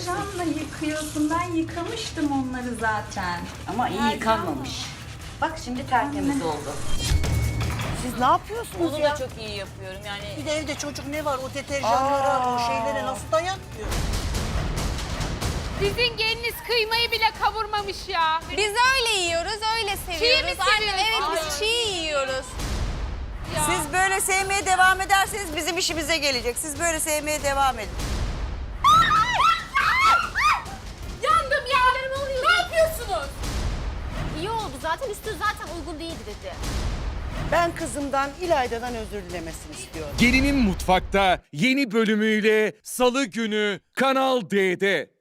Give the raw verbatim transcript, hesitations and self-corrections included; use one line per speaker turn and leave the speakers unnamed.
Deterjanla yıkıyorsun. Ben yıkamıştım onları zaten.
Ama iyi yıkanmamış. Bak şimdi tertemiz oldu.
Siz ne yapıyorsunuz
Onu
ya?
da çok iyi yapıyorum yani.
Bir de evde çocuk ne var o deterjanlara, o şeylere nasıl dayanmıyor?
Sizin geliniz kıymayı bile kavurmamış ya.
Biz öyle yiyoruz, öyle seviyoruz.
mi
Annem,
seviyorsun?
evet biz çiğ yiyoruz.
Ya.
Siz böyle sevmeye devam ederseniz bizim işimize gelecek. Siz böyle sevmeye devam edin.
Yandım ya. Ne yapıyorsunuz?
İyi oldu zaten, üstü zaten uygun değildi dedi.
Ben kızımdan İlayda'dan özür dilemesini istiyorum.
Gelinin Mutfak'ta yeni bölümüyle Salı günü Kanal D'de.